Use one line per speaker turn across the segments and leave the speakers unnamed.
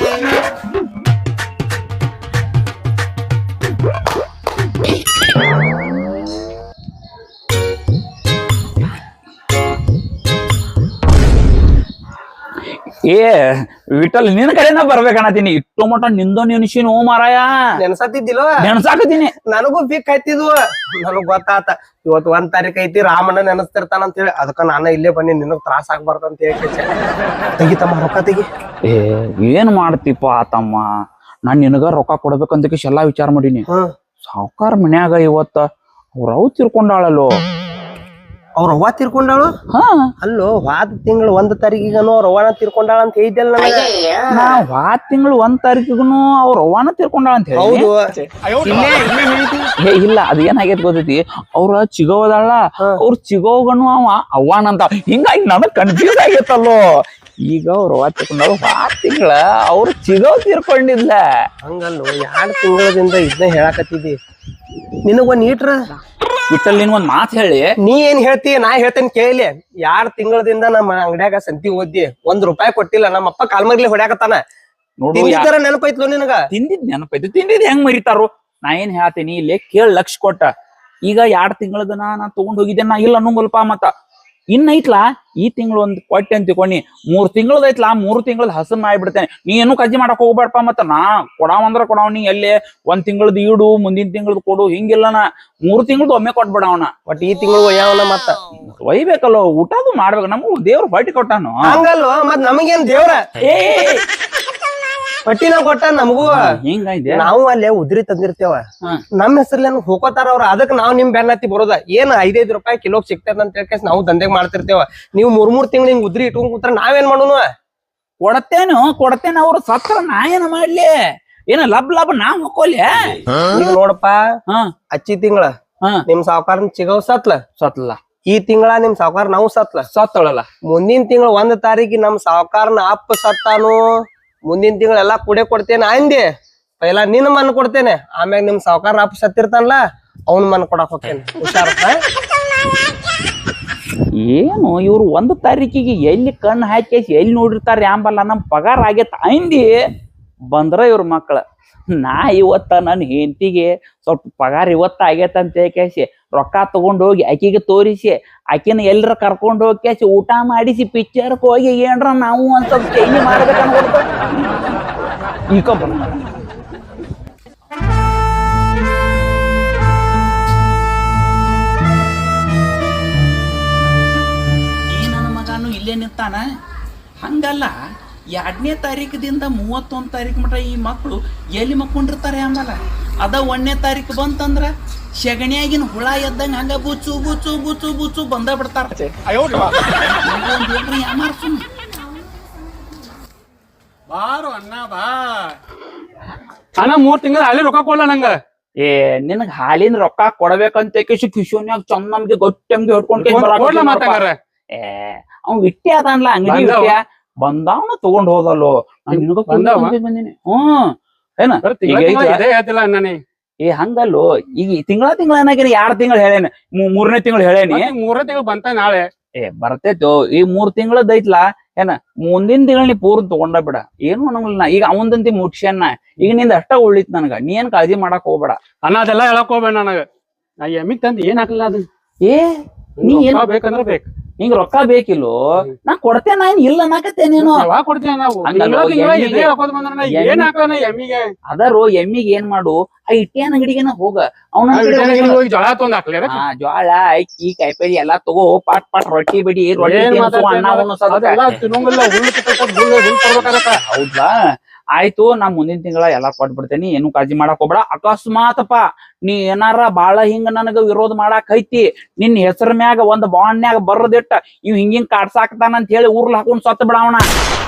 ಏ ವಿಠಲ್ ನಿನ್ ಕಡೆನ ಬರ್ಬೇಕನ್ನತೀನಿ ಇಟ್ಟು ಮಟ ನಿಂದೋ ನೆನ್ಸಿನ ಓ ಮಾರಾಯ
ನೆನ್ಸತ್ತಿದ್ದಿಲ್ವ
ನೆನ್ಸಾಕತೀನಿ.
ನನಗೂ ಬಿಕ್ ಹತ್ತಿದ್ವು. ನನಗ್ ಗೊತ್ತಾತ ಇವತ್ತು 1 ತಾರೀಕ್ ಐತಿ, ರಾಮಣ್ಣ ನೆನಸ್ತಿರ್ತಾನ ಅಂತ ಹೇಳಿ ಅದಕ್ಕ ನಾನು ಇಲ್ಲೇ ಬನ್ನಿ, ನಿನಗ್ ತ್ರಾಸ ಆಗ್ಬಾರ್ದು ಅಂತ ಹೇಳಿ ತೆಗಿತಮ್ಮ ರೊಕ್ಕ ತೆಗಿ.
ಏ ಏನ್ ಮಾಡ್ತಿಪ್ಪ ತಮ್ಮ, ನಾನ್ ನಿನಗ ರೊಕ್ಕ ಕೊಡ್ಬೇಕಂತ ಎಲ್ಲಾ ವಿಚಾರ ಮಾಡೀನಿ. ಸಾವ್ಕಾರ ಮನ್ಯಾಗ ಇವತ್ತ ಅವ್ರ ಅವ್ ತಿರ್ಕೊಂಡಾಳಲ್ಲೋ.
ಅವ್ರ ಅವ್ವ ತೀರ್ಕೊಂಡಾಳು? ಅಲ್ಲೋ ವಾದ ತಿಂಗಳು 1 ತಾರೀಕಿಗನು ಅವ್ರ ಅವ್ವನ ತೀರ್ಕೊಂಡಾಳ ಅಂತ ಹೇಳಿದ್ದಲ್ಲ ನನಗ.
ನಾ ವಾದ ತಿಂಗಳು 1 ತಾರೀಕಿಗೂ ಅವ್ರ ಅವ್ವನ ತೀರ್ಕೊಂಡಾಳ ಅಂತ ಹೇಳಿ.
ಹೌದು.
ಏ ಇಲ್ಲ, ಅದ ಏನಾಗೈತಿ ಗೊತ್ತೈತಿ, ಅವ್ರ ಚಿಗೋದಲ್ಲ, ಅವ್ರ ಚಿಗೋಗನು ಅವ ಅವ್ವಾನಂತ, ಹಿಂಗಾಗಿ ನನಗ್ ಕನ್ಫ್ಯೂಸ್ ಆಗೈತಲ್ಲೋ. ಈಗ ಅವ್ರ ಅವ್ವ ತೀರ್ಕೊಂಡಾಳು, ವಾದ ತಿಂಗಳ ಅವ್ರ ಚಿಗೋ ತೀರ್ಕೊಂಡಿಲ್ಲ.
ಹಂಗಲ್ಲೋ, 2 ತಿಂಗಳದಿಂದ ಇದನ್ನ ಹೇಳಾಕತ್ತಿದ್ದಿ. ನಿನಗ್ ಒಂದ್ ಈಟ್ರ
ವಿಠಲ್ ನಿನ್ ಒಂದ್ ಮಾತ್ ಹೇಳಿ.
ನೀ ಏನ್ ಹೇಳ್ತಿ ನಾ ಹೇಳ್ತೇನೆ ಕೇಳಿ. 2 ತಿಂಗಳದಿಂದ ನಮ್ಮ ಅಂಗಡ್ಯಾಗ ಸಂತಿ ಓದಿ ₹1 ಕೊಟ್ಟಿಲ್ಲ. ನಮ್ಮ ಅಪ್ಪ ಕಾಲ್ಮರ್ಲಿ ಹೊಡ್ಯಾಕತ್ತಾನ.
ನೋಡು
ನೆನಪೈತ್ಲೋ ನಿನಗ?
ತಿಂದಿದ್ ನೆನಪೈತಿ, ತಿಂದಿದ್ ಹೆಂಗ್ ಮರಿತಾರು. ನಾ ಏನ್ ಹೇಳ್ತೀನಿ ಇಲ್ಲಿ ಕೇಳ್, ಲಕ್ಷ ಕೊಟ್ಟ. ಈಗ 2 ತಿಂಗಳದನ ನಾ ತಗೊಂಡ್ ಹೋಗಿದ್ದೆ, ನಾ ಇಲ್ಲ ಅನ್ನೋಂಗಲ್ಪ. ಮತ್ತ ಇನ್ನ ಐತ್ಲಾ ಈ ತಿಂಗಳು ಒಂದ್ ಕೊಟ್ಟೆ ಅಂತ ತಿಳ್ಕೊಂಡಿ, 3 ತಿಂಗಳದ ಐತ್ಲಾ, 3 ತಿಂಗಳದ ಹಸನ್ ಮಾಡ್ಬಿಡ್ತೇನೆ. ನೀ ಏನು ಕಜ್ಜಿ ಮಾಡಕ್ ಹೋಗ್ಬೇಡಪ್ಪ. ಮತ್ತ ನಾ ಕೊಡಾವಂದ್ರ ಕೊಡಾವ್, ನೀ ಎಲ್ಲಿ 1 ತಿಂಗಳದ ಇಡು, ಮುಂದಿನ ತಿಂಗಳದ ಕೊಡು, ಹಿಂಗಿಲ್ಲ. ನಾ 3 ತಿಂಗಳದ ಒಮ್ಮೆ ಕೊಟ್ಬಿಡವನ.
ಬಟ್ ಈ ತಿಂಗಳು ಒಯ್ಯವನ ಮತ್ತ
ಒಯ್ಬೇಕಲ್ಲೋ, ಊಟದು ಮಾಡ್ಬೇಕು. ನಮಗೂ ದೇವ್ರ ಹೊಟ್ಟಿ ಕೊಟ್ಟಾನು.
ಹಂಗಲ್ವ, ಮತ್ ನಮಗೇನ್ ದೇವ್ರ
ಏ
ಹೊಟ್ಟಿನ ಕೊಟ್ಟ ನಮಗೂ.
ಹಿಂಗೈತೆ,
ನಾವು ಅಲ್ಲೇ ಉದ್ರಿ ತಂದಿರ್ತೇವ, ನಮ್ ಹೆಸರ್ಲೇನು ಹೋಗೋತಾರ ಅವ್ರ. ಅದಕ್ ನಾವ್ ನಿಮ್ ಬೆನ್ನತ್ತಿ ಬರೋದ. ಏನ್ ₹5 ಕಿಲೋಗ್ ಸಿಗ್ತದ ಅಂತ ಹೇಳಿ ನಾವು ದಂಧೆಗ್ ಮಾಡ್ತಿರ್ತೇವ. ನೀವು 3 ತಿಂಗಳು ಹಿಂಗ್ ಉದ್ರಿ ಇಟ್ಕೊಂಡ್ ಕೂತ್ರ ನಾವೇನ್ ಮಾಡೋನು?
ಕೊಡತೇನೆ. ಅವ್ರು ಸತ್ರ ನಾ ಏನ ಮಾಡ್ಲಿ? ಏನ ಲಬ್ ನಾ ಹೊಕ್ಕೋಲಿ?
ಈಗ ನೋಡಪ್ಪ, ಅಚ್ಚಿ ತಿಂಗಳ ನಿಮ್ ಸಾವ್ಕಾರನ್ ಚಿಗವ್ ಸತ್ಲ. ಈ ತಿಂಗಳ ನಿಮ್ ಸಾವ್ಕಾರ ನಾವು
ಸತ್ತಳಲ್ಲ.
ಮುಂದಿನ ತಿಂಗಳ 1 ತಾರೀಕಿ ನಮ್ ಸಾವ್ಕಾರನ ಅಪ್ಪ ಸತ್ತಾನು. ಮುಂದಿನ ತಿಂಗಳೆಲ್ಲಾ ಕೂಡೆ ಕೊಡ್ತೇನೆ ಅಂದೆ. ಪೈಲಾ ನಿನ್ ಮನ್ ಕೊಡ್ತೇನೆ, ಆಮ್ಯಾಗ ನಿಮ್ ಸಾವ್ಕಾರ ಅಪ್ಪ ಸತ್ತಿರ್ತಾನಲ್ಲ ಅವ್ನ ಮನ್ ಕೊಡಾಕ್ ಹೋಗ್ತೇನೆ. ಹುಷಾರ.
ಏನು ಇವ್ರು 1 ತಾರೀಕಿಗೆ ಎಲ್ಲಿ ಕಣ್ಣು ಹಾಕಿ ಎಲ್ಲಿ ನೋಡಿರ್ತಾರ ಯಾಂಬಲ್ಲ. ನಮ್ ಪಗಾರ ಆಗೇತ ಅಂದಿ ಬಂದ್ರ ಇವ್ರ ಮಕ್ಳ. ನಾ ಇವತ್ತ ನನ್ನ ಹೆಂಡತಿಗೆ ಸ್ವಲ್ಪ ಪಗಾರ ಇವತ್ತ ಆಗೇತ ಅಂತ ಕೇಸಿ ರೊಕ್ಕ ತಗೊಂಡ್ ಹೋಗಿ ಆಕಿಗೆ ತೋರಿಸಿ, ಆಕಿನ ಎಲ್ರ ಕರ್ಕೊಂಡ್ ಹೋಗಿ ಕೇಸಿ ಊಟ ಮಾಡಿಸಿ, ಪಿಕ್ಚರ್ಕ್ ಹೋಗಿ ಏನ್ರ ನಾವು ಒಂದ್ ಸ್ವಲ್ಪ ಚೇಂಜ್ ಮಾಡ್ಬೇಕು ಅನ್ಕೊಡ್ತ ಈಗ ಈ ನನ್ನ ಮಗನು ಇಲ್ಲೇ ನಿಂತಾನ. ಹಂಗಲ್ಲ, 2ನೇ ತಾರೀಕದಿಂದ 31 ತಾರೀಕು ಮಟ ಈ ಮಕ್ಕಳು ಎಲ್ಲಿ ಮಕ್ಕೊಂಡಿರ್ತಾರೆ ಆಮೇಲೆ. ಅದ 1ನೇ ತಾರೀಕು ಬಂತಂದ್ರ ಶಗಣಿಯಾಗಿನ ಹುಳ ಎದ್ದಂಗ ಹಂಗ ಬುಚ್ಚು ಬುಚ್ಚು ಬುಚ್ಚು ಬುಚ್ಚು ಬಂದ ಬಿಡ್ತಾರ.
ಬಾರು ಅಣ್ಣ ಬಾ ಅಣ್ಣ. 3 ತಿಂಗಳ ಅಲ್ಲಿ ರೊಕ್ಕ ಕೊಡ್ಲ ನಂಗ.
ಏ ನಿನಗ್ ಹಾಲಿನ ರೊಕ್ಕ ಕೊಡ್ಬೇಕಂತ ಕಿಶೋನ್ಯಾಗ ಚಂದ ನಮ್ಗೆ ಗೊತ್ತಂಗೆ ಹೊಡ್ಕೊಂಡ್ ಏ ಅವ್ ಇಟ್ಟೆ ಅದನ್ಲ ಅಂಗಡಿ ಇಟ್ಟ್ಯಾ ಬಂದಾವನ ತಗೊಂಡ್ ಹೋದಲ್ಲೋ. ಬಂದಿನಿ. ಏನ ಏ ಹಂಗಲ್ಲೋ, ಈಗ ತಿಂಗಳ ಏನಾಗಿನ 2 ತಿಂಗಳು ಹೇಳೇನಿ, 3ನೇ ತಿಂಗಳು ಹೇಳೇನಿ.
3ನೇ ತಿಂಗಳು ಬಂತ ನಾಳೆ.
ಏ ಬರ್ತೈತೋ, ಈ 3 ತಿಂಗಳದ ಐತ್ಲಾ. ಏನ ಮುಂದಿನ ತಿಂಗಳ ನೀ ಪೂರ್ಣ ತಗೊಂಡ ಬಿಡ, ಏನು ಅನ್ನಂಗಿಲ್ಲ. ಈಗ ಅವಂದಂತಿ ಮುಟ್ಸ್ಯಾನ, ಈಗ ನಿಂದ ಅಷ್ಟ ಉಳಿತ್ ನನಗ. ನೀ ಏನ್ ಕಾಳಜಿ ಮಾಡಕ್ ಹೋಗ್ಬೇಡ
ಅಣ್ಣ. ಅದೆಲ್ಲ ಹೇಳಕ್ ಹೋಗ್ಬೇಡ ನನಗ. ನಾ ಎಮ್ಮಿಗ್ ತಂದ್ ಏನ್ ಹಾಕಲ್ಲ ಅದು.
ಏ ನೀ ಏನ್
ಬೇಕಂದ್ರ ಬೇಕು,
ನಿಂಗ್ ರೊಕ್ಕ ಬೇಕಿಲ್ಲೋ, ನಾ ಕೊಡ್ತೇನೆ. ನಾನ್ ಇಲ್ಲ ಅನ್ನಕತ್ತೇನೇನು. ಅದರೋ ಎಮ್ಮಿಗೆ ಏನ್ ಮಾಡು, ಆ ಇಟ್ಟಿಯನ್ ಅಂಗಡಿಗೆನ ಹೋಗ, ಅವನ ಜ್ವಾಳ ಅಕ್ಕಿ ಕಾಯಿಪಲ್ಲೆ ಎಲ್ಲಾ ತಗೋ, ಪಾಟ್ ರೊಟ್ಟಿ ಬಿಡಿ, ಹೌದಾ? ಆಯ್ತು, ನಾ ಮುಂದಿನ ತಿಂಗಳ ಎಲ್ಲಾ ಕೊಟ್ಬಿಡ್ತೇನಿ, ಏನು ಕಾಳಜಿ ಮಾಡಕ್ ಹೋಗ್ಬೇಡ. ಅಕಸ್ಮಾತಪ್ಪ ನೀ ಏನಾರ ಬಾಳ ಹಿಂಗ ನನಗ ವಿರೋಧ ಮಾಡಾಕ್ ಐತಿ, ನಿನ್ ಹೆಸರ ಮ್ಯಾಗ ಒಂದ್ ಬಾಂಡ್ನ್ಯಾಗ ಬರ್ದಿಟ್ಟ ಇವ್ ಹಿಂಗಿಂಗ್ ಕಾಡ್ಸಾಕ್ತಾನ ಅಂತ ಹೇಳಿ ಊರ್ಲ ಹಾಕೊಂಡ್ ಸತ್ತ ಬಿಡವಣ.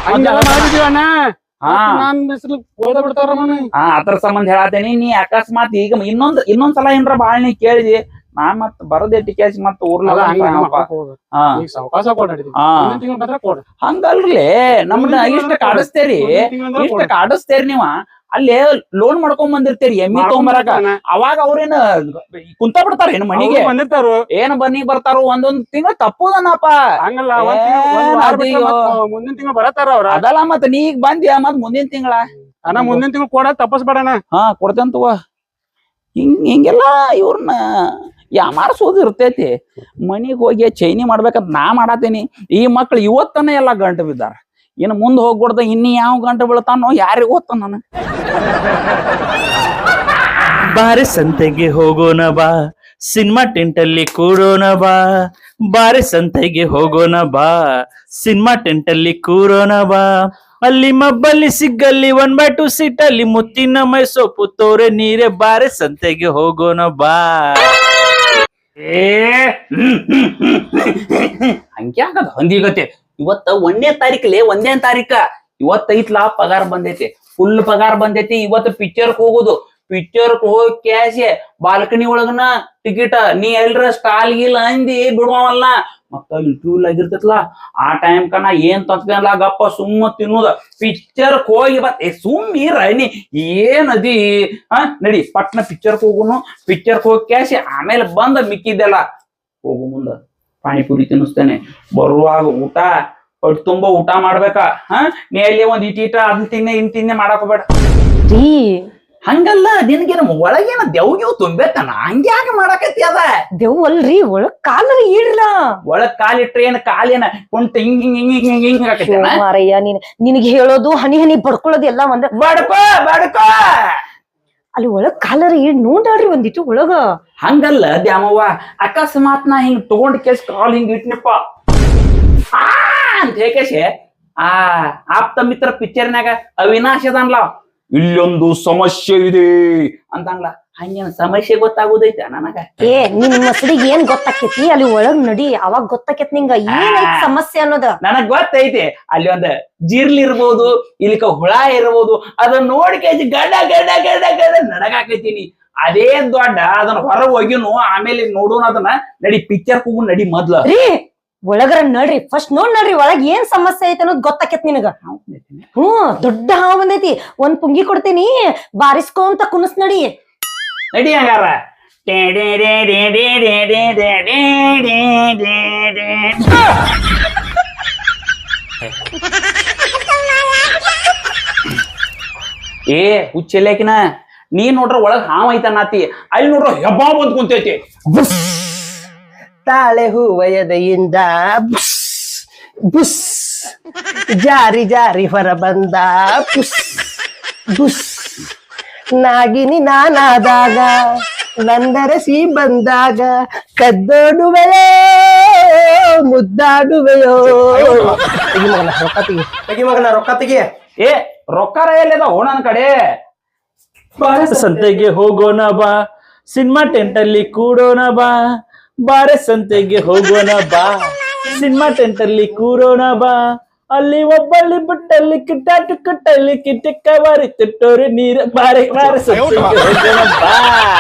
ಅದ್ರ ಸಂಬಂಧ ಹೇಳತ್ತೇನಿ. ನೀ ಅಕಸ್ಮಾತ್ ಈಗ ಇನ್ನೊಂದ್ಸಲ ಏನ್ರ ಬಾಳ ನೀ ಕೇಳಿದಿ, ನಾ ಮತ್ ಬರದೇಟಿ ಕೇಸಿ ಮತ್ ಊರ್ಲ ಹಂಗಲ್ರಿ. ನಮ್ನ ಇಷ್ಟ ಕಾಡಿಸ್ತೇರಿ ನೀವ. ಅಲ್ಲಿ ಲೋನ್ ಮಾಡ್ಕೊಂಡ್ ಬಂದಿರ್ತೀರಿ ಎಮ್ಮಿ ತಗೊಂಬರಾಕ ಅವಾಗ ಅವ್ರೇನ ಕುಂತ ಬಿಡ್ತಾರ ಏನ್ ಮನಿಗೆ
ಬಂದಿರ್ತಾರು
ಏನ್ ಬನ್ನಿ ಬರ್ತಾರೋ ಒಂದೊಂದ್ ತಿಂಗಳ ತಪ್ಪುದನಪ್ಪ
ಹಂಗಲ್ಲ ಮುಂದಿನ ತಿಂಗಳು ಬರತಾರ ಅವ್ರ
ಅದಲ್ಲ ಮತ್ ನೀ ಈಗ ಬಂದ್ಯಾ ಮತ್ ಮುಂದಿನ ತಿಂಗಳ
ಅಣ್ಣ ಮುಂದಿನ ತಿಂಗಳು ಕೊಡ ತಪ್ಪಸ್ಬೇಡಣ
ಹಾ ಕೊಡ್ತೇಂತವ ಹಿಂಗೆಲ್ಲ ಇವ್ರನ್ನ ಯಾಮಾರ್ಸೋದು ಇರ್ತೈತಿ ಮನಿಗ್ ಹೋಗಿ ಚೈನಿ ಮಾಡ್ಬೇಕಂತ ನಾ ಮಾಡಾತೀನಿ ಈ ಮಕ್ಳು ಇವತ್ತನೇ ಎಲ್ಲಾ ಗಂಟು ಬಿದ್ದಾರ ಇನ್ನು ಮುಂದ್ ಹೋಗ್ಬಿಡ್ದ ಇನ್ನು ಯಾವ ಗಂಟು ಬೀಳ್ತಾನೋ ಯಾರಿಗ ಗೊತ್ತ ನಾನು
ಬಾರೆ ಸಂತೆಗೆ ಹೋಗೋಣ ಬಾ ಸಿನಿಮಾ ಟೆಂಟಲ್ಲಿ ಕೂರೋಣ ಬಾ ಬಾರೆ ಸಂತೆಗೆ ಹೋಗೋಣ ಬಾ ಸಿನಿಮಾ ಟೆಂಟಲ್ಲಿ ಕೂರೋಣ ಬಾ ಅಲ್ಲಿ ಮಬ್ಬಲ್ಲಿ ಸಿಗ್ಗಲ್ಲಿ 1/2 ಸೀಟಲ್ಲಿ ಮುತ್ತಿನ ಮೈ ಸೊಪ್ಪು ತೋರೆ ನೀರೆ ಬಾರೆ ಸಂತೆಗೆ ಹೋಗೋಣ ಬಾ
ಹಂಗ್ಯಾಕದ ಹೊಂದಿಗತ್ತೆ ಇವತ್ತ 1ನೇ ತಾರೀಕಲ್ಲಿ 1ನೇ ತಾರೀಕ ಇವತ್ತೈತ್ಲಾ ಪಗಾರ ಬಂದೈತಿ ಫುಲ್ ಪಗಾರ ಬಂದೈತಿ ಇವತ್ತು ಪಿಕ್ಚರ್ಕ್ ಹೋಗುದು ಪಿಕ್ಚರ್ಕ್ ಹೋಗಿ ಕ್ಯಾಶೆ ಬಾಲ್ಕನಿ ಒಳಗನ ಟಿಕೆಟ್ ನೀ ಎಲ್ರ ಸ್ಟಾಲ್ ಗಿಲ್ ಅಂದಿ ಬಿಡುವಲ್ಲ ಮತ್ತ ಇಂಟರ್ವ್ಯೂ ಆಗಿರ್ತೈತ್ಲಾ ಆ ಟೈಮ್ ಕನ ಏನ್ ತಂದ್ಕಲ್ಲ ಗಪ್ಪ ಸುಮ್ಮ ತಿನ್ನೋದ ಪಿಕ್ಚರ್ಕ್ ಹೋಗಿ ಸುಮ್ಮೀರ ನೀ ಏನದಿ ನಡಿ ಪಟ್ನ ಪಿಕ್ಚರ್ಕ್ ಹೋಗುನು ಪಿಕ್ಚರ್ಕ್ ಹೋಗಿ ಕ್ಯಾಶೆ ಆಮೇಲೆ ಬಂದ ಮಿಕ್ಕಿದ್ದೆಲ್ಲ ಹೋಗು ಮುಂದ ಪಾನಿಪುರಿ ತಿನ್ನಿಸ್ತೇನೆ ಬರುವಾಗ ಊಟ ಹೊಟ್ಟೆ ತುಂಬಾ ಊಟ ಮಾಡ್ಬೇಕಾ ನೀ ಅಲ್ಲಿ ಒಂದ್ ಇಟೀಟ ಅದನ್ನ ತಿನ್ನೆ ಇನ್ ತಿನ್ನೆ ಮಾಡಾಕ ಬೇಡ ಹಂಗಲ್ಲ ನಿನ್ಗೇನ ಒಳಗೇನ ದೆವ್ಗಿವ್ ತುಂಬೇತನ ಹಂಗ್ಯಾಕ ಮಾಡಾಕತ್ತಿ ಅದ
ದೆವ್ ಅಲ್ರಿ ಒಳಗ್ ಕಾಲರ ಇಡ್ಲ
ಒಳಗ್ ಕಾಲಿಟ್ರೆ ಏನ ಕಾಲೇನ ಕುಂಟ ಹಿಂಗ್ ಹಿಂಗ್ ಹಿಂಗ್ ಹಿಂಗ್ ಹಿಂಗ್ ಹಾಕತ್ತೇನ
ಮಾರಯ್ಯ ನಿನಗೆ ಹೇಳೋದು ಹನಿ ಹನಿ ಬಡ್ಕೊಳ್ಳೋದು ಎಲ್ಲ ಒಂದ
ಬಡ್ಕೋ ಬಡ್ಕೋ
ಅಲ್ಲಿ ಒಳಗ್ ಕಾಲರ ಇಡ್ ನೋಡ್ರಿ ಒಂದಿಟ್ಟು ಒಳಗ
ಹಂಗಲ್ಲ ದ್ಯಾಮವ್ವ ಅಕಸ್ಮಾತ್ ನಾ ಹಿಂಗ್ ತಗೊಂಡ್ ಕೇಸ್ ಕಾಲ್ ಹಿಂಗ್ ಇಟ್ನಪ್ಪ ಅಂತ ಹೇಕೇಶೆ ಆಪ್ತ ಮಿತ್ರ ಪಿಕ್ಚರ್ನಾಗ ಅವಿನಾಶ್ ಅದನ್ಲ ಇಲ್ಲೊಂದು ಸಮಸ್ಯೆ ಇದೆ ಅಂತಂಗ್ಲ ಹಂಗೇನ ಸಮಸ್ಯೆ ಗೊತ್ತಾಗೋದೈತೆ ನನಗ
ನಿನ್ ಮಸಡಿಗೆ ಏನ್ ಗೊತ್ತಾಕೇತಿ ಅಲ್ಲಿ ಒಳಗ್ ನಡಿ ಅವಾಗ ಗೊತ್ತಾಕೇತ್ ನಿಂಗ ಏನೈತಿ ಸಮಸ್ಯೆ ಅನ್ನೋದ
ನನಗ್ ಗೊತ್ತೈತಿ ಅಲ್ಲಿ ಒಂದ್ ಜಿರ್ಲಿ ಇರ್ಬೋದು ಇಲ್ಲಿಕ ಹುಳ ಇರ್ಬೋದು ಅದನ್ನ ನೋಡ್ಕೇಜಿ ಗಡ ಗಡ ಗಡ ಗಡ ನಡಗಾಕೈತೀನಿ ಅದೇ ದೊಡ್ಡ ಅದನ್ನ ಹೊರ ಹೋಗಿನು ಆಮೇಲೆ ನೋಡೋಣ ಅದನ್ನ ನಡಿ ಪಿಕ್ಚರ್ ಕೂಗು ನಡಿ ಮೊದ್ಲ
ಒಳಗರ ನಡ್ರಿ ಫಸ್ಟ್ ನೋಡ್ರಿ ಒಳಗ್ ಏನ್ ಸಮಸ್ಯೆ ಐತೆ ಅನ್ನೋದು ಗೊತ್ತಾಕೇತ್ ನಿನಗ ದೊಡ್ಡ ಹಾವು ಬಂದೈತಿ ಒಂದ್ ಪುಂಗಿ ಕೊಡ್ತೇನಿ ಬಾರಿಸ್ಕೊಂತ ಕುನಸ್ ನಡಿ
ನಡಿ ಹಂಗಾರ ಏ ಹುಚ್ಚೆಲ್ಯಾಕಿನ ನೀ ನೋಡ್ರ ಒಳಗ್ ಹಾವ್ ಐತನಾತಿ ಅಲ್ಲಿ ನೋಡ್ರ ಹೆಬ್ಬಾ ಬಂದ್ ಕುಂತೈತಿ
ತಾಳೆ ಹೂವಯದೆಯಿಂದ ಬುಸ್ ಬುಸ್ ಜಾರಿ ಜಾರಿ ಹೊರ ಬಂದ ಬುಸ್ ಬುಸ್ ನಾಗಿನಿ ನಾನಾದಾಗ ನಂದರಸಿ ಬಂದಾಗ ಕದ್ದೋಡುವೆಯೋ ಮುದ್ದಾಡುವೆಯೋ ತೆಗಿ ಮಗನ ರೊಕ್ಕ ತೆಗಿ ತೆಗಿ ಮಗನ ರೊಕ್ಕ ತೆಗಿ
ಏ ರೊಕ್ಕಾರ ಎಲ್ಲಿದ ನನ್ ಕಡೆ
ಬಾರೆ ಸಂತೆಗೆ ಹೋಗೋಣ ಬಾ ಸಿನಿಮಾ ಟೆಂಟಲ್ಲಿ ಕೂಡೋಣ ಬಾ ಬಾರೆ ಸಂತೆಗೆ ಹೋಗೋಣ ಬಾ ಸಿನಿಮಾ ಟೆಂಟಲ್ಲಿ ಕೂರೋಣ ಬಾ ಅಲ್ಲಿ ಒಬ್ಬಳ್ಳಿ ಬಿಟ್ಟಲ್ಲಿ ಕಿಟ್ಟಾಟು ಕಟ್ಟಲ್ಲಿ ಕಿಟ್ಟಕ್ಕ ಬಾರಿ ತಿಟ್ಟೋರಿ ನೀರು ಬಾರೆ ಬಾರೆ ಸಂತೆಗೆ ಹೋಗೋಣ ಬಾ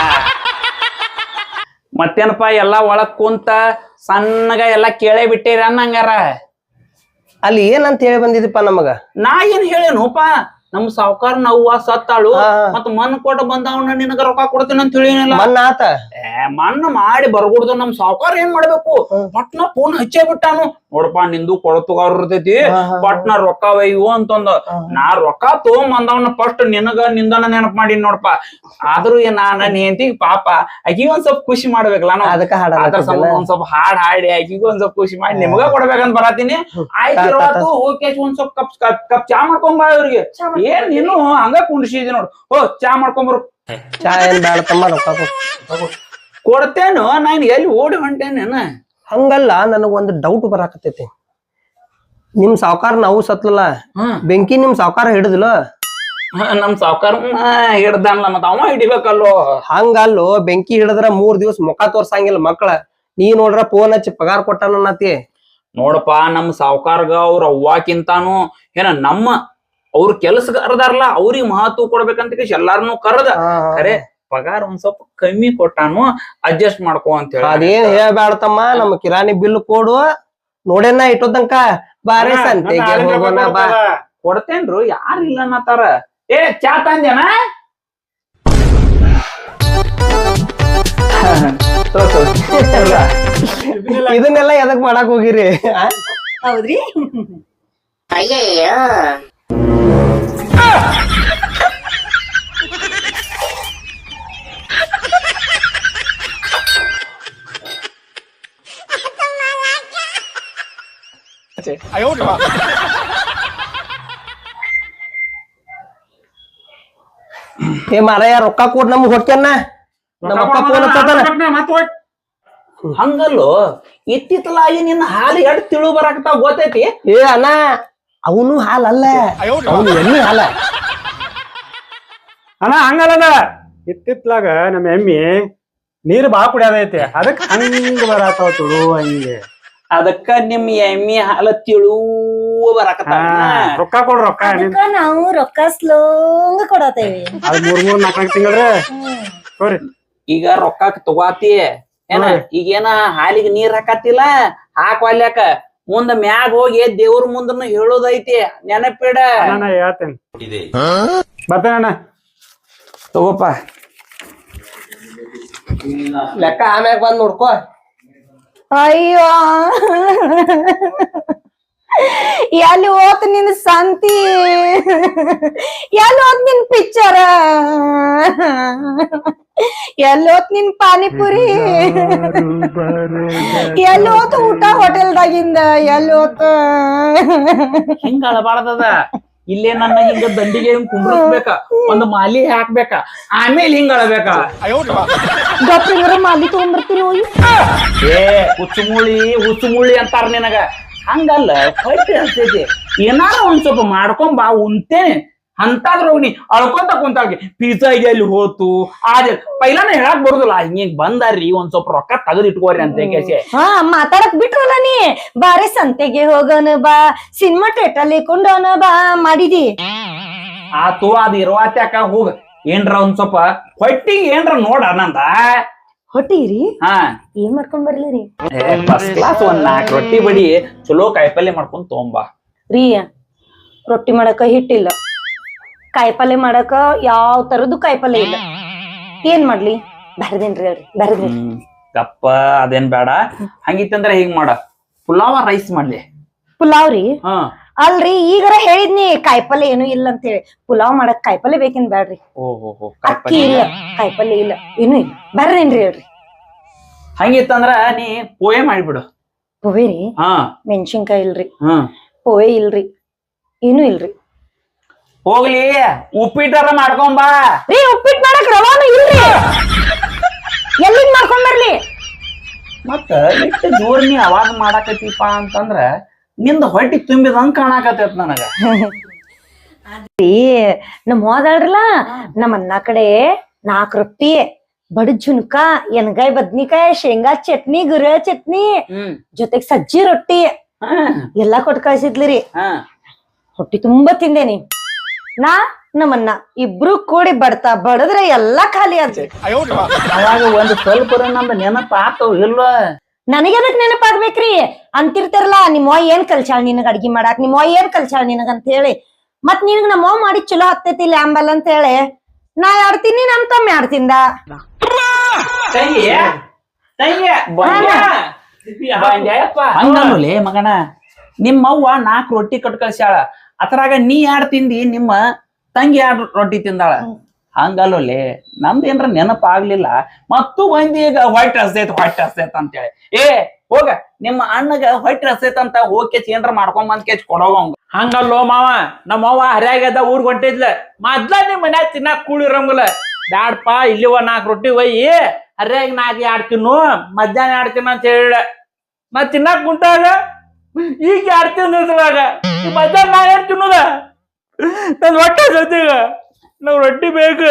ಮತ್ತೇನಪ್ಪ ಎಲ್ಲಾ ಒಳಗ್ ಕುಂತ ಸಣ್ಣಗ ಎಲ್ಲಾ ಕೇಳೇ ಬಿಟ್ಟಿರ ಅನ್ನಂಗಾರ
ಅಲ್ಲಿ ಏನಂತ ಹೇಳಿ ಬಂದಿದಪ್ಪ ನಮಗ
ನಾ ಏನ್ ಹೇಳೇನುಪ್ಪ ನಮ್ ಸಾವ್ಕಾರ ಅವ್ವ ಸತ್ತಾಳು ಮತ್ ಮಣ್ಣು ಕೊಟ್ಟು ಬಂದವನ ನಿನಗ ರೊಕ್ಕ ಕೊಡ್ತೀನಿ ಅಂತ ಹೇಳಿನಲ್ಲ
ಮನ್ನಾತ
ಮಣ್ಣು ಮಾಡಿ ಬರ್ಗುಡ್ದು ನಮ್ ಸಾವ್ಕಾರ ಏನ್ ಮಾಡ್ಬೇಕು ಪಟ್ನ ಫೋನ್ ಹಚ್ಚೇ ಬಿಟ್ಟಾನು ನೋಡಪ್ಪ ನಿಂದು ಕೊಡತುಗಾರ ಇರ್ತೈತಿ ಪಟ್ನ ರೊಕ್ಕ ಒಯ್ಯು ಅಂತಂದ ನಾ ರೊಕ್ಕ ತಗೊಂಬಂದವನ ಫಸ್ಟ್ ನಿನಗ ನಿಂದನ ನೆನಪ್ ಮಾಡೀನಿ ನೋಡಪ್ಪ ಆದ್ರೂ ನಾನ ಹೆಂಡತಿ ಪಾಪ ಆಕಿಗ ಒಂದ್ ಸ್ವಲ್ಪ ಖುಷಿ ಮಾಡ್ಬೇಕಲ್ಲ ನಾವು
ಅದಕ್ಕ
ಅದ್ರ ಸಂಬಂಧ ಒಂದ್ ಸ್ವಲ್ಪ ಹಾಡ್ ಹಾಡಿ ಆಕಿಗೂ ಒಂದ್ ಸ್ವಲ್ಪ ಖುಷಿ ಮಾಡಿ ನಿಮ್ಗ ಕೊಡ್ಬೇಕಂತ ಬರತೀನಿ ಆಯ್ತು ಹೋಗಿ ಒಂದ್ ಸ್ವಲ್ಪ ಕಪ್ ಚಾ ಮಾಡ್ಕೊಂಬ ಇವ್ರಿಗೆ ಏನ್ ನೀನು ಹಂಗ ಕುಂಡ್ಸಿದಿ ನೋಡು ಚಾ ಮಾಡ್ಕೊಂಬರು
ಚಾ ಏನ್ ಬ್ಯಾಡ ತಮ್ಮ ರೊಕ್ಕ
ಕೊಡ್ತೇನು ನಾನು ಎಲ್ಲಿ ಓಡಿ ಹೊಂಟೇನೇನ
ಹಂಗಲ್ಲ ನನಗ ಒಂದು ಡೌಟ್ ಬರಾಕತೈತಿ ನಿಮ್ ಸಾವ್ಕಾರ ನಾವು ಸತ್ಲಲ್ಲ ಬೆಂಕಿ ನಿಮ್ ಸಾವ್ಕಾರ ಹಿಡಿದಿಲ್ಲ
ನಮ್ ಸಾವ್ಕಾರ ಹಿಡ್ದಲ್ಲ ಮತ್ತ ಅವ ಹಿಡಿಬೇಕಲ್ಲೋ
ಹಂಗಲ್ಲೋ ಬೆಂಕಿ ಹಿಡಿದ್ರ 3 ದಿವಸ ಮುಖ ತೋರ್ಸಂಗಿಲ್ಲ ಮಕ್ಳ ನೀ ನೋಡ್ರ ಫೋನ್ ಹಚ್ಚಿ ಪಗಾರ ಕೊಟ್ಟಾನತಿ
ನೋಡಪ್ಪ ನಮ್ ಸಾವ್ಕಾರ್ಗ ಅವ್ರ ಅವ್ವಾಕಿಂತಾನು ಏನ ನಮ್ಮ ಅವ್ರ ಕೆಲ್ಸಗಾರದಾರಲ್ಲ ಅವ್ರಿಗೆ ಮಹತ್ವ ಕೊಡ್ಬೇಕಂತ ಎಲ್ಲಾರನು ಕರೆದ ಖರೆ ಪಗಾರ ಒಂದ್ ಸ್ವಲ್ಪ ಕಮ್ಮಿ ಕೊಟ್ಟಾನು ಅಡ್ಜಸ್ಟ್ ಮಾಡ್ಕೋ ಅಂತ ಹೇಳಿ
ಅದೇನ್ ಹೇಳ್ಬ್ಯಾಡತಮ್ಮ ನಮ್ ಕಿರಾಣಿ ಬಿಲ್ ಕೊಡು ನೋಡೇನ ಇಟ್ಟೋದಂಕ ಬಾರೆ ಸಂತೆಗೆ ಹೋಗೋಣ ಬಾ
ಕೊಡ್ತೇನ್ರು ಯಾರು ಇಲ್ಲ ಅನ್ನತಾರ ಏ ಚಾ ತಂದೇನ
ಇದನ್ನೆಲ್ಲ ಎದಕ್ ಮಾಡಕ್ ಹೋಗಿರಿ ಆ?
ಹೌದ್ರಿ
ಏ ಮಾರಾಯ ರೊಕ್ಕ ಕೊಡ್ ನಮ್ಗ್ ಹೊಕ್ಕೇನ ನಮ್ಮ ಅಕ್ಕ ಫೋನ್ ಹಚ್ಚತಾನ.
ಹಂಗಲ್ಲೋ ಇತ್ತಿತ್ತಲಾಗಿ ನಿನ್ನ ಹಾಲು ಎಡ್ ತಿಳು ಬರಾಕತ್ತಾವ ಗೊತ್ತೈತಿ.
ಏ ಅಣ್ಣ ಅವನು ಹಾಲಲ್ಲ ಅವನು ಎಣ್ಣೆ ಹಾಲ.
ಅಣ್ಣ ಹಂಗಲ್ಲದ ಇತ್ತಿತ್ಲಾಗ ನಮ್ಮ ಎಮ್ಮಿ ನೀರ್ ಬಾಳ ಕುಡಿಯೋದೈತಿ ಅದಕ್ ಹಂಗ ಬರತಾವ ತುಳು ಹಂಗೆ.
ಅದಕ್ಕ ನಿಮ್ ಎಮ್ಮಿ ಹಾಲು ತಿಳು ಬರಾಕತ್ತಾವ.
ರೊಕ್ಕ ಕೊಡ್ರಿ ರೊಕ್ಕ
ಅದಕ್ಕ ನಾವು ರೊಕ್ಕ ಸ್ಲೋಂಗ ಕೊಡತೇವಿ.
ಅದ್ 3-4 ತಿಂಗಳ್ರೆ ತೋರಿ.
ಈಗ ರೊಕ್ಕ ತಗೋತಿ ಏನ ಈಗೇನ ಹಾಲಿಗೆ ನೀರ್ ಹಾಕತ್ತಿಲ್ಲ ಹಾಕ್ವಾಲ್ಯಾಕ ಮುಂದ ಮ್ಯಾಗ ಹೋಗಿ ದೇವ್ರ ಮುಂದನು ಹೇಳೋದೈತಿ ನೆನಪಿಡ.
ಅಣ್ಣ ಹೇಳ್ತೇನೆ ಬರ್ತೇನೆ ಅಣ್ಣ.
ತಗೋಪ
ಲೆಕ್ಕ ಆಮ್ಯಾಗ ಬಂದ್ ನೋಡ್ಕೋ.
ಅಯ್ಯೋ ಎಲ್ಲಿ ಹೋತ್ ನಿನ್ ಸಂತಿ, ಎಲ್ಲಿ ಹೋತ್ ನಿನ್ ಪಿಕ್ಚರ್, ಎಲ್ಲಿ ಹೋತ್ ನಿನ್ ಪಾನಿಪುರಿ, ಎಲ್ಲಿ ಹೋತ್ ಊಟ ಹೋಟೆಲ್ದಾಗಿಂದ, ಎಲ್ಲಿ ಹೋತ್
ಹಿಂಗ ಅಳಬಾರ್ದದ. ಇಲ್ಲೇ ನನ್ನ ಹಿಂಗ ದಂಡಿಗೆ ಹಿಂಗ್ ಕುಂಡ್ರಸ್ಬೇಕ, ಒಂದು ಮಾಲಿ ಹಾಕ್ಬೇಕ, ಆಮೇಲೆ ಹಿಂಗ ಅಳಬೇಕ.
ಗಪ್ಪಿಂಗ್ರ ಮಾಲಿ ತಗೊಂಡ್ಬರ್ತೀನಿ ಹೋಗಿ.
ಏ ಹುಚ್ಚುಮುಳಿ ಅಂತಾರ ನಿನಗ. ಹಂಗಲ್ಲ ಹೊಟ್ಟೆ ಹಸ್ತೈತಿ, ಏನಾರ ಒಂದ್ ಸ್ವಲ್ಪ ಮಾಡ್ಕೊಂಡ್ ಬಾ ಉಂತೇನೆ ಅಂತಾದ್ರೋಗ್ ನೀ ಅಳ್ಕೊಂತ ಕುಂತಾಗಿ ಪಿಜ್ಜಾ ಎಲ್ಲಿ ಹೋತು ಆದ್ರೆ ಪೈಲಾನ ಹೇಳಕ್ ಬರುದಿಲ್ಲ. ಹಿಂಗ ಬಂದಾರ್ರಿ ಒಂದ್ ಸ್ವಲ್ಪ ರೊಕ್ಕ ತೆಗೆದು ಇಟ್ಕೋರಿ ಅಂತ ಕೇಸಿ.
ಹಾ ಮಾತಾಡಕ್ ಬಿಟ್ರಲ್ಲ ನೀ. ಬಾರೆ ಸಂತೆಗೆ ಹೋಗೋಣ ಬಾ, ಸಿನಿಮಾ ಥಿಯೇಟರ್ ಕೊಂಡೋಣ ಬಾ ಮಾಡಿದಿ.
ಆತು ಅದ್ ಇರುವಾತ್ಯಾಕ ಹೋಗ ಏನ್ರ ಒಂದ್ ಸ್ವಲ್ಪ ಹೊಟ್ಟಿಗೆ ಏನ್ರ ನೋಡ ನಂದ.
ಹೊಟ್ಟಿರಿ
ಹಾ
ಏನ್ ಮಾಡ್ಕೊಂಡ್ ಬರ್ಲಿರಿ?
ಫಸ್ಟ್ ಕ್ಲಾಸ್ ಒಂದ್ 4 ರೊಟ್ಟಿ ಬಡಿ ಚಲೋ ಕಾಯಿಪಲ್ಲೆ ಮಾಡ್ಕೊಂಡ್ ತಗೊಂಬಾ.
ರೀ ರೊಟ್ಟಿ ಮಾಡಕ ಹಿಟ್ಟಿಲ್ಲ, ಕಾಯಿಪಲ್ಲೆ ಮಾಡಕ ಯಾವ ತರದ್ದು ಕಾಯಿಪಲ್ಲೆ ಇಲ್ಲ. ಏನ್ ಮಾಡ್ಲಿ? ಬರ್ದೇನ್ರಿ ಹೇಳ್ರಿ ಬರ್ದೇನ್ರಿ.
ಗಪ್ಪ ಅದೇನ್ ಬೇಡ. ಹಂಗಿತ್ತಂದ್ರ ಹಿಂಗ್ ಮಾಡ, ಪುಲಾವ ರೈಸ್ ಮಾಡ್ಲಿ.
ಪುಲಾವ್ ರೀ?
ಹಾ
ಅಲ್ರಿ ಈಗರ ಹೇಳಿದ್ನಿ ಕಾಯಿಪಲ್ಲೆ ಏನು ಇಲ್ಲ ಅಂತ ಹೇಳಿ. ಪುಲಾವ್ ಮಾಡಕ್ ಕಾಯಿಪಲ್ಲೆ ಬೇಕೇನ್ ಬ್ಯಾಡ್ರಿ?
ಓಹೋ
ಅಕ್ಕಿ ಇಲ್ಲ, ಕಾಯಿಪಲ್ಲೆ ಇಲ್ಲ, ಏನು ಇಲ್ಲ. ಬರ್ರೇನ್ರಿ ಹೇಳ್ರಿ.
ಹಂಗಿತ್ತಂದ್ರ ನೀ ಪೋಯೆ ಮಾಡಿಬಿಡು.
ಪೋವೆ ರೀ?
ಹಾ
ಮೆಣಸಿನ್ಕಾಯಿ ಇಲ್ರಿ,
ಹ್ಮ್
ಪೋವೆ ಇಲ್ರಿ, ಏನು ಇಲ್ರಿ.
ಹೋಗ್ಲಿ ಉಪ್ಪಿಟ್ಟಾರ ಮಾಡ್ಕೊಂಬಾ.
ರೀ ಉಪ್ಪಿಟ್ಟು ಮಾಡಕ್ ರವಾನು ಇಲ್ರಿ, ಎಲ್ಲಿಂದ ಮಾಡ್ಕೊಂಡ್ ಬರ್ಲಿ?
ಮತ್ತ ಇಟ್ಟು ಜೋರ್ ನೀ ಅವಾಜ್ ಮಾಡಾಕತ್ತೀಪ ಅಂತಂದ್ರ ನಿಂದ ಹೊಟ್ಟಿ ತುಂಬಿದಂಗ ಕಾಣಾಕತ್ತೈತ್ ನನಗ.
ರೀ ನಮ್ ಹೋದಾಳ್ರಲ್ಲ ನಮ್ಮ ಅನ್ನ ಕಡೆ 4 ರೊಟ್ಟಿ, ಬಡ ಜುನ್ಕ, ಎಣ್ಗಾಯಿ ಬದ್ನಿಕಾಯಿ, ಶೇಂಗಾ ಚಟ್ನಿ, ಗುರ ಚಟ್ನಿ, ಜೊತೆಗ್ ಸಜ್ಜಿ ರೊಟ್ಟಿ ಎಲ್ಲಾ ಕೊಟ್ ಕಳ್ಸಿದ್ಲಿರಿ. ಹೊಟ್ಟಿ ತುಂಬಾ ತಿಂದೇನಿ. ನಾ ನಮ್ಮನ್ನ ಇಬ್ರು ಕೂಡಿ ಬಡ್ತಾ ಬಡದ್ರೆ ಎಲ್ಲಾ ಖಾಲಿ ಆದ್ರಿ.
ಅವಾಗ ಒಂದ್ ಸ್ವಲ್ಪ ನಮ್ದು ನೆನಪ ಆತವ್ ಇಲ್ವ?
ನನಗೆ ಅದಕ್ ನೆನಪಾಗ್ಬೇಕ್ರಿ. ಅಂತಿರ್ತಾರಲ್ಲ ನಿಮ್ಮವ್ವ ಏನ್ ಕಲ್ಸಾಳ ನಿನಗ ಅಡ್ಗಿ ಮಾಡಾಕ್, ನಿಮ್ಮವ್ವ ಏನ್ ಕಲ್ಸಾಳ ನಿನಗ ಅಂತ ಹೇಳಿ. ಮತ್ ನಿನಗ್ ನಮ್ಮವ್ವ ಮಾಡಿ ಚಲೋ ಹತ್ತೈತಿ ಲ್ಯಾಂಬಲ್ ಅಂತ ಹೇಳಿ ನಾ ಆಡ್ತೀನಿ, ನಮ್ ತಮ್ಮ ಆಡ್ತಿಂದ.
ಹಂಗಲ್ಲೇ ಮಗನ, ನಿಮ್ಮವ್ವ 4 ರೊಟ್ಟಿ ಕಟ್ ಕಳ್ಸ್ಯಾಳ, ಅದ್ರಾಗ ನೀ 2 ತಿಂದಿ, ನಿಮ್ಮ ತಂಗಿ 2 ರೊಟ್ಟಿ ತಿಂದಾಳ. ಹಂಗಲ್ಲೇ ನಮ್ದೇನ್ರ ನೆನಪ ಆಗ್ಲಿಲ್ಲ ಮತ್ತು ಬಂದಿ ಈಗ ಹೊಟ್ಟೆ ಹಸ್ತೈತ್ ಅಂತೇಳಿ. ಏ ಹೋಗ ನಿಮ್ಮ ಅಣ್ಣಗ ಹೊಟ್ಟೆ ಹಸ್ತೈತ್ ಅಂತ ಹೋಗಿ ಏನ್ರ ಮಾಡ್ಕೊಂಡ್ ಬಂದ್ ಕೇಚ್ ಕೊಡೋವಂಗ. ಹಂಗಲ್ಲೋ ಮಾವ, ನಮ್ಮವ್ವ ಹರ್ಯಾಗದ ಊರ್ಗ್ ಹೊಂಟಿದ್ಲ, ಮೊದ್ಲ ನಿಮ್ ಮನ್ಯಾಗ ತಿನ್ನಾಕ್ ಕೂಳಿರಂಗಿಲ್ಲ. ಬ್ಯಾಡ್ಪ ಇಲ್ಲಿ 4 ರೊಟ್ಟಿ ಒಯ್ಯಿ, ಹರ್ಯಾಗ 4 2 ತಿನ್ನು, ಮಧ್ಯಾಹ್ನ 2 ತಿನ್ನು ಅಂತ ಹೇಳ. ಮತ್ ತಿನ್ನಾಕ್ ಕುಂತಾಗ ಈಗ 2 ತಿನ್ನದ್ರಾಗ ಮಧ್ಯಾಹ್ನ 2 ತಿನ್ನೋದ ನನ್ ಹೊಟ್ಟೆ ಸತ್ತೀಗ ನಾವ್ ರೊಟ್ಟಿ ಬೇಕು.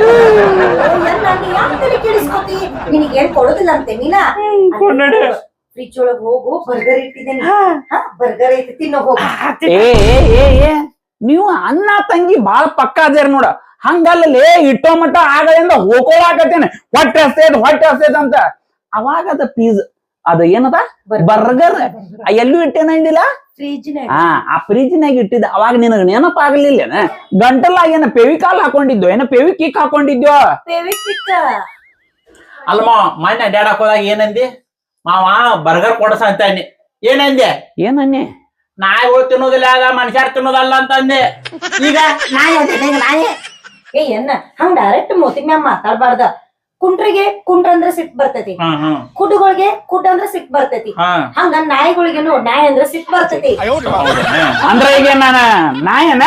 ನಿನಗೇನ್ ಕೊಡೋದಿಲ್ಲ ಅಂತೆ ನೀನ?
ಕೊಂಡಡೆ
ಫ್ರಿಜ್ ಒಳಗ್ ಹೋಗು, ಬರ್ಗರ್ ಇಟ್ಟಿದ್ದೇನೆ, ಬರ್ಗರ್ ಐತಿ ತಿನ್ನೋ ಹೋಗು.
ಏ ನೀವು ಅಣ್ಣ ತಂಗಿ ಬಾಳ ಪಕ್ಕ ಅದೇರ್ ನೋಡ. ಹಂಗಲ್ಲೇ ಇಟ್ಟೋ ಮಟ್ಟ ಆಗಲಿಂದ ಹೋಗೋಳಾಕತ್ತೇನೆ ಹೊಟ್ಟೆ ಹಸ್ತೈತ್ ಅಂತ. ಅವಾಗ ಅದ ಅದು ಏನದ ಬರ್ಗರ್ ಎಲ್ಲೂ ಇಟ್ಟೇನ ಹಿಂದಿಲ್ಲ
ಫ್ರಿಜ್ನಾಗ
ಆ ಫ್ರಿಜ್ನಾಗ ಇಟ್ಟಿದ್ದ ಅವಾಗ ನಿನಗ ನೆನಪ ಆಗ್ಲಿಲ್ಲೇನ ಗಂಟಲಾಗ ಏನ ಪೆವಿಕಾಲ್ ಹಾಕೊಂಡಿದ್ಯೋ ಏನ ಪೆವಿಕಿಕ್ ಹಾಕೊಂಡಿದ್ಯೋ
ಫೇವಿಕ್ವಿಕ್
ಅಲ್ಮ ಮೊನ್ನೆ ಅಡ್ಯಾಡಕ್ ಹೋದಾಗ ಏನಂದಿ ಮಾವ ಬರ್ಗರ್ ಕೊಡಸ ಅಂತ ಅಂದಿ ಏನಂದೆ
ಏನನ್ನೇ
ನಾಯಿಗಳು ತಿನ್ನೋದಿಲ್ಲ ಆಗ ಮನುಷ್ಯರ್ ತಿನ್ನೋದಲ್ಲ ಅಂತ ಅಂದೆ ಈಗ
ನಾಯಿ ಅದೇ ನಾಯಿ ಏ ಎನ್ನ ಹಂಗ ಡೈರೆಕ್ಟ್ ಮೂತಿಗ್ ಮ್ಯಾಗ ಮಾತಾಡ್ಬಾರ್ದ ಕುಂಟ್ರಿಗೆ ಕುಂಟ್ರ ಅಂದ್ರ ಸಿಟ್ ಬರ್ತೈತಿ ಕುಡುಗಳಿಗೆ ಕುಡ್ ಅಂದ್ರ ಸಿಟ್ ಬರ್ತೈತಿ ಹಂಗ ನಾಯಿಗಳಿಗೇನು ನಾಯಿ ಅಂದ್ರ ಸಿಟ್ ಬರ್ತೈತಿ
ಅಂದ್ರ ಈಗ ನಾನ ನಾಯನ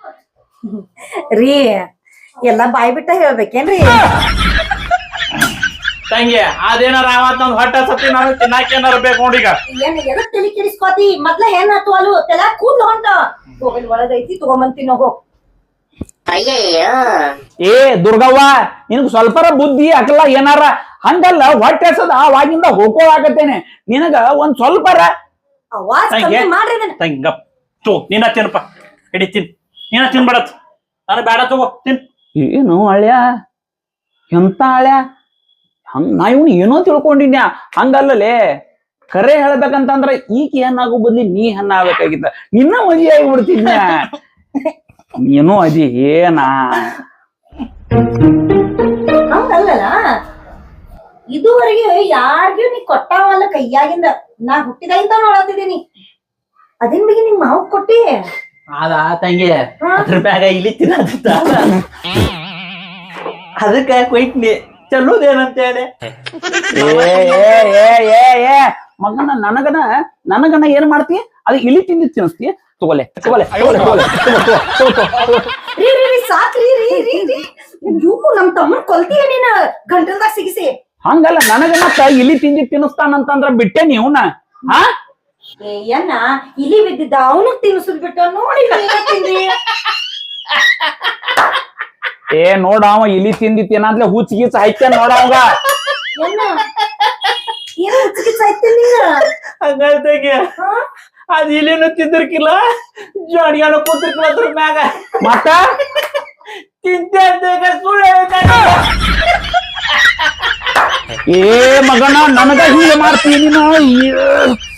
ರೀ ಎಲ್ಲಾ ಬಾಯ್ ಬಿಟ್ಟ ಹೇಳ್ಬೇಕೇನ್ರಿ
ತಂಗಿ ಅದೇನಾರ ಆವತ್ ನಮ್ ಹೊಟ್ಟೆ ಸತಿ ನಾನು ತಿನ್ನಾಕೇನಾರ ಬೇಕು ನೋಡೀಗ
ಏನ್ ಎದಕ್ ತಲಿ ಕೆಡಿಸ್ಕೋತಿ ಮೊದ್ಲ ಏನ್ ಆತು ಅಲು ತೆಲ ಕೂದ್ಲು ಹೊಂಟ ಹೋಗಲ್ ಒಳಗೈತಿ ತಗೊಂಬಂತೀನಿ ಹೋಗೋ
ಏ ದುರ್ಗವ್ವ ನಿನಗ್ ಸ್ವಲ್ಪರ ಬುದ್ಧಿ ಅಕಲ್ಲ ಏನಾರ ಹಂಗಲ್ಲ ಹೊಟ್ಟೆ ಹಸದ ಅವಾಗಿಂದ ಹೋಗೋಳಾಕತ್ತೇನೆ ನಿನಗ ಒಂದ್ ಸ್ವಲ್ಪರ
ಅವಾಜ್ ಕಮ್ಮಿ ಮಾಡ್ರಿ ಇದನ್ನ
ತಂಗಿ ಗಪ್ ತೋ ನೀನ ತಿನ್ನಪ್ಪ ಹಿಡಿ ತಿನ್ ನೀನ ತಿನ್ಬೇಡತ್ ನಾನು ಬೇಡ ತಗೋ ತಿನ್
ಏನು ಹಳ್ಯ ಎಂತ ಹಳ್ಯ ಹಂಗ ನಾ ಇವ್ನು ಏನೋ ತಿಳ್ಕೊಂಡಿನ್ಯಾ ಹಂಗಲ್ಲಲೇ ಕರೆ ಹೇಳ್ಬೇಕಂತಂದ್ರ ಈಗ ಏನಾಗೋ ಬದ್ಲಿ ನೀ ಹಣ್ಣ ಆಗ್ಬೇಕಾಗಿತ್ತ ನಿನ್ನ ಮದುವೆ ಆಗಿಬಿಡ್ತಿದ್ನ ನೀನು ಅದಿ ಏನಾ
ಹಂಗಲ್ಲಲ್ಲ ಇದುವರೆಗೆ ಯಾರಿಗೂ ನೀ ಕೊಟ್ಟಾವಲ್ಲ ಕೈಯಾಗಿಂದ ನಾ ಹುಟ್ಟಿದಾಗಿಂದ ನೋಡತ್ತಿದ್ದೀನಿ ಅದಿನ್ ಬಗ್ಗೆ ನಿಮ್ ಮಾವು ಕೊಟ್ಟಿ
ಅದ ತಂಗಿ ಅದ್ರ ಬ್ಯಾಗ ಇಲ್ಲಿ ತಿನ್ನತ್ತ ಅದಕ್ಕ ಕೊಯ್ಟ್ನಿ ಚಲೋದೇನಂತ ಹೇಳಿ
ಏ ಮಗನ ನನಗನ ಏನ್ ಮಾಡ್ತಿ ಅದು ಇಲಿ ತಿಂದಿ ತಿನ್ನಿಸ್ತಿ ತಗೋಲೆ
ಸಾಕ್ರಿ ನಮ್ ತಮ್ಮನ್ ಕೊಲ್ತೀಯ ನೀನ ಗಂಟಲ್ದಾಗ ಸಿಗಿಸಿ
ಹಂಗಲ್ಲ ನನಗನ ಇಲಿ ತಿಂದಿ ತಿನ್ನಿಸ್ತಾನಂತಂದ್ರ ಬಿಟ್ಟೆ ನೀವ್ನ ಹಾ
ಏನ್ನ ಇಲಿ ಬಿದ್ದಿದ್ದ ಅವನಿಗೆ ತಿನ್ನಿಸುದ್ ಬಿಟ್ಟು ನೋಡಿ ತಿಂದ್ರಿ
ಏ ನೋಡ ಅವ ಇಲಿ ತಿಂದಿತ್ತೇನಾದ್ಲೆ ಹುಚ್ಚ ಗೀಚ ಹಾಕ್ಯ ನೋಡ ಅವಂಗ
ಏನ ಏನ್ ಹುಚ್ಚಿಗೆ ನೀನ
ಹಂಗಂತಾಗೆ ಅದ್ ಇಲ್ಲೇನು ತಿಂದಿರ್ಕಿಲ್ಲ ಜೋಡಿಯಾನು ಕೂತಿರ್ಕಿಲ್ಲ ಅದ್ರ ಮ್ಯಾಗ
ಮತ್ತ
ತಿಂತೆ ಅಂತ ಸುಳ್ಳು ಹೇಳ್ತಾನೆ
ಏ ಮಗನ ನನಗ ಹೀಗೆ ಮಾಡ್ತೀನಿ ನೀನು